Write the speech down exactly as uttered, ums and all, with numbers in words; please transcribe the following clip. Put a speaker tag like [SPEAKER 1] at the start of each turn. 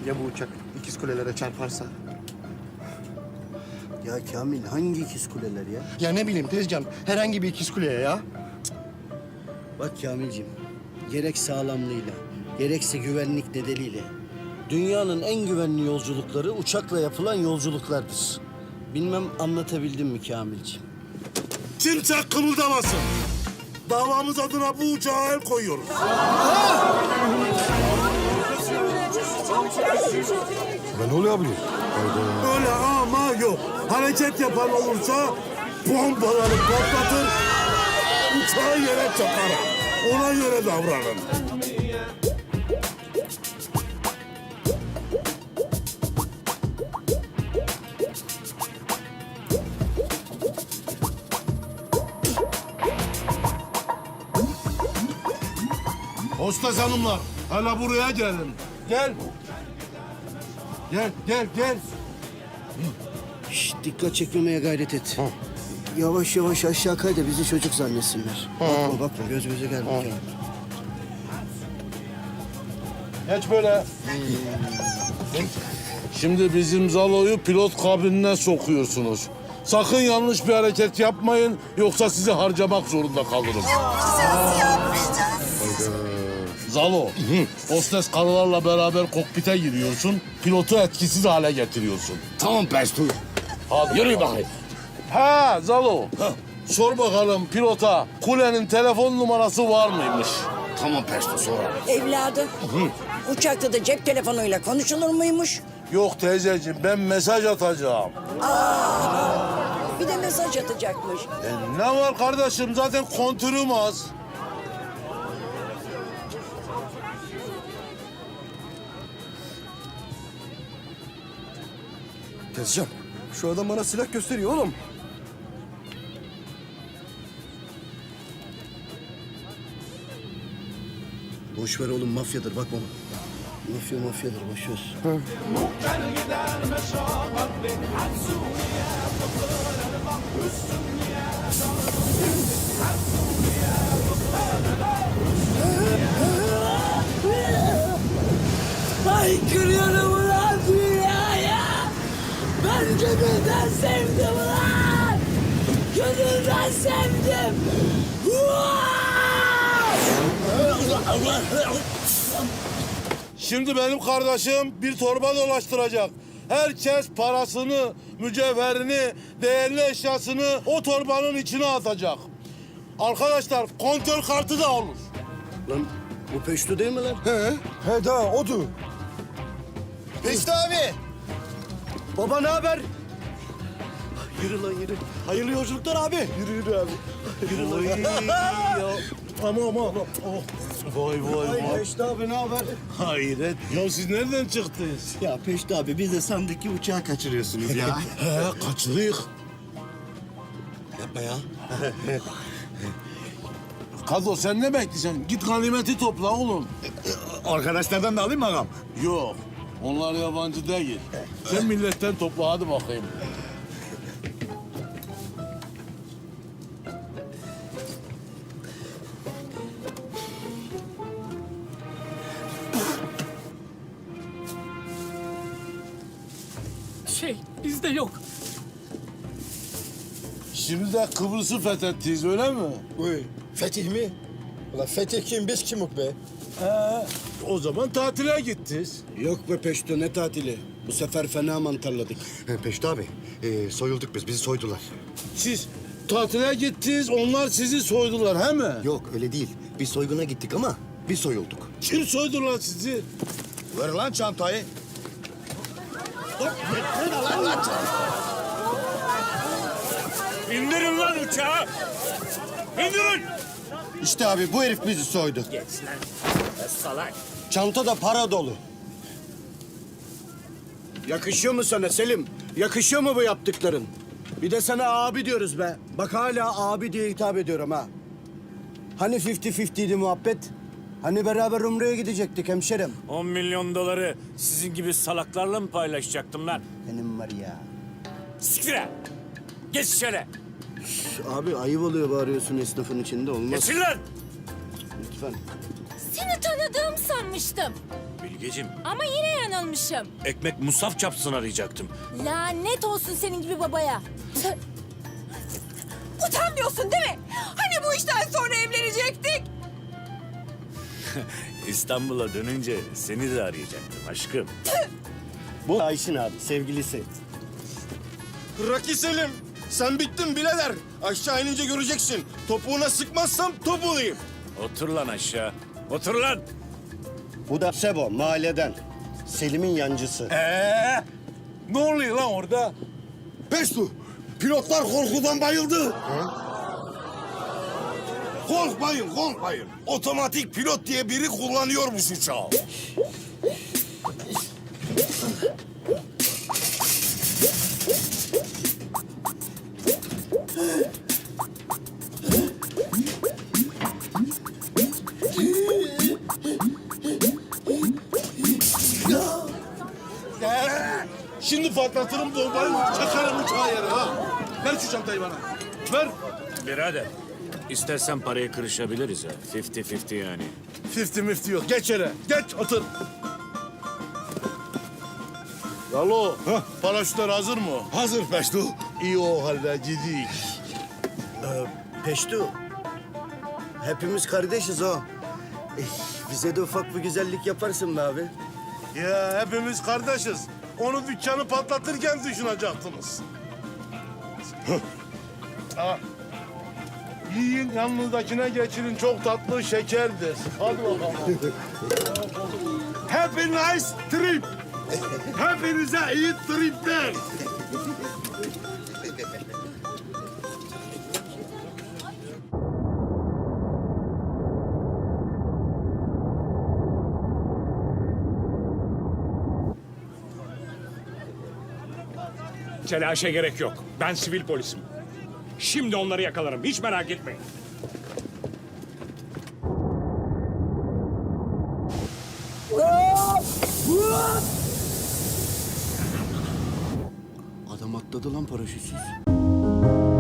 [SPEAKER 1] Ya bu uçak ikiz kulelere çarparsa?
[SPEAKER 2] Ya Kamil hangi ikiz kuleler ya?
[SPEAKER 1] Ya ne bileyim Tezcan, herhangi bir ikiz kuleye ya.
[SPEAKER 2] Bak Kamilciğim, gerek sağlamlığıyla, gerekse güvenlik nedeniyle dünyanın en güvenli yolculukları uçakla yapılan yolculuklardır. Bilmem anlatabildim mi Kamilciğim?
[SPEAKER 3] Kimse kımıldamasın. Davamız adına bu uçağa el koyuyoruz.
[SPEAKER 4] Ne oluyor abi?
[SPEAKER 3] Öyle ama yok. Hareket yapan olursa bombaları patlatır, uçağı yere çakarım. Ona göre davranın. Hostes hanımlar, hala buraya gelin. Gel. Gel, gel, gel.
[SPEAKER 2] Şşt, dikkat çekmemeye gayret et. Yavaş yavaş aşağı kay da bizi çocuk zannetsinler. Bakma bakma, göz göze gelme Kamil.
[SPEAKER 3] Geç böyle. Şimdi bizim Zalo'yu pilot kabinine sokuyorsunuz. Sakın yanlış bir hareket yapmayın, yoksa sizi harcamak zorunda kalırım.
[SPEAKER 5] Nasıl yapmayacağız?
[SPEAKER 3] Zalo, hostes karılarla beraber kokpite giriyorsun, pilotu etkisiz hale getiriyorsun.
[SPEAKER 4] Tamam Pesto.
[SPEAKER 3] Hadi yürü bakayım. Ha Zalo, sor bakalım pilota kulenin telefon numarası var mıymış?
[SPEAKER 4] Tamam Pesto sonra.
[SPEAKER 5] Evladım, uçakta da cep telefonuyla konuşulur muymuş?
[SPEAKER 3] Yok teyzeciğim, ben mesaj atacağım.
[SPEAKER 5] Bir de mesaj atacakmış.
[SPEAKER 3] E, ne var kardeşim, zaten kontürüm az.
[SPEAKER 1] Tezcan, şu adam bana silah gösteriyor oğlum.
[SPEAKER 2] Boş ver oğlum, mafyadır bakma. Mafya mafyadır, boş ver.
[SPEAKER 5] Ay kırıyorum ulan dünyaya. Ben gönülden sevdim ulan. Gönülden sevdim.
[SPEAKER 3] Şimdi benim kardeşim bir torba dolaştıracak. Herkes parasını, mücevherini, değerli eşyasını o torbanın içine atacak. Arkadaşlar kontör kartı da olur.
[SPEAKER 2] Lan bu Peşto değil mi lan?
[SPEAKER 1] He, he daha odur.
[SPEAKER 2] Peşto abi! Baba ne haber? Yürü lan yürü. Hayırlı yolculuklar abi. Yürü yürü abi. Yürü lan.
[SPEAKER 3] ya. Ama ama ama. Oh. Vay vay
[SPEAKER 2] Ay
[SPEAKER 3] vay.
[SPEAKER 2] Peşto abi ne haber?
[SPEAKER 3] Hayret. Ya siz nereden çıktınız?
[SPEAKER 2] Ya Peşto abi biz de sandık ki uçağı kaçırıyorsunuz ya.
[SPEAKER 3] He kaçlıyık.
[SPEAKER 2] Yapma ya.
[SPEAKER 3] Kado sen ne bekliyorsun? Git ganimeti topla oğlum.
[SPEAKER 4] Arkadaşlardan da alayım mı ağam?
[SPEAKER 3] Yok. Onlar yabancı değil. Sen milletten topla hadi bakayım.
[SPEAKER 6] Şey, bizde yok.
[SPEAKER 3] Şimdi de Kıbrıs'ı fethettiyiz öyle mi?
[SPEAKER 7] Uy, Fetih mi? Ulan Fetih kim, biz kimuk be?
[SPEAKER 3] He. O zaman tatile gittiniz.
[SPEAKER 2] Yok be Peşto ne tatili. Bu sefer fena mantarladık.
[SPEAKER 4] Peşto abi, e, soyulduk biz, bizi soydular.
[SPEAKER 3] Siz tatile gittiniz, onlar sizi soydular he mi?
[SPEAKER 4] Yok öyle değil, biz soyguna gittik ama biz soyulduk.
[SPEAKER 3] Kim soydu lan sizi?
[SPEAKER 4] Ver lan çantayı.
[SPEAKER 6] İndirin lan uçağı! İndirin!
[SPEAKER 2] İşte abi bu herif bizi soydu.
[SPEAKER 6] Geç lan. Salak.
[SPEAKER 2] Çanta da para dolu. Yakışıyor mu sana Selim? Yakışıyor mu bu yaptıkların? Bir de sana abi diyoruz be. Bak hala abi diye hitap ediyorum ha. Hani fifty fifty'ydi muhabbet? Hani beraber Umre'ye gidecektik hemşerim?
[SPEAKER 6] On milyon doları sizin gibi salaklarla mı paylaşacaktım lan?
[SPEAKER 2] Benim var ya.
[SPEAKER 6] Siktir ha! Geç içeri!
[SPEAKER 2] Abi ayıp oluyor bağırıyorsun esnafın içinde olmaz.
[SPEAKER 6] Geçin lan!
[SPEAKER 2] Lütfen.
[SPEAKER 8] Seni tanıdığım sanmıştım.
[SPEAKER 6] Bilgeciğim.
[SPEAKER 8] Ama yine yanılmışım.
[SPEAKER 6] Ekmek musaf çapsın arayacaktım.
[SPEAKER 8] Lanet olsun senin gibi babaya. Tüh. Utanmıyorsun değil mi? Hani bu işten sonra evlenecektik?
[SPEAKER 6] İstanbul'a dönünce seni de arayacaktım aşkım.
[SPEAKER 2] Bu Ayşin abi, sevgilisi.
[SPEAKER 1] Raki Selim. Sen bittin birader. Aşağı inince göreceksin. Topuğuna sıkmazsam topuğlayım.
[SPEAKER 6] Otur lan aşağı. Otur lan.
[SPEAKER 2] Bu da Sebo, mahalleden. Selim'in yancısı.
[SPEAKER 3] Ee, ne oluyor lan orada?
[SPEAKER 1] Pestu. Pilotlar korkudan bayıldı.
[SPEAKER 3] Korkmayın, korkmayın. Otomatik pilot diye biri kullanıyormuş uçağı. Ee, Şimdi patlatırım bombayı, çakarım uçağı yere ha. Ver şu çantayı bana. Ver.
[SPEAKER 6] Birader. İstersen parayı kırışabiliriz ha. Fifty fifty yani.
[SPEAKER 3] Fifty mifty yok. Geç yere. Geç otur. Alo. Paraşütler hazır mı?
[SPEAKER 1] Hazır Pestu.
[SPEAKER 3] İyi o halde gidik.
[SPEAKER 2] Peştu, hepimiz kardeşiz o. Eh, bize de ufak bir güzellik yaparsın be abi.
[SPEAKER 3] Ya hepimiz kardeşiz. Onu dükkanı patlatırken düşünecektiniz. Ha. Yiyin yanınızdakine geçirin. Çok tatlı şekerdir. Hadi bakalım. Happy nice trip. Hepinize iyi tripler.
[SPEAKER 9] Telaşa gerek yok. Ben sivil polisim. Şimdi onları yakalarım. Hiç merak etmeyin.
[SPEAKER 2] Adam atladı lan paraşütsüz.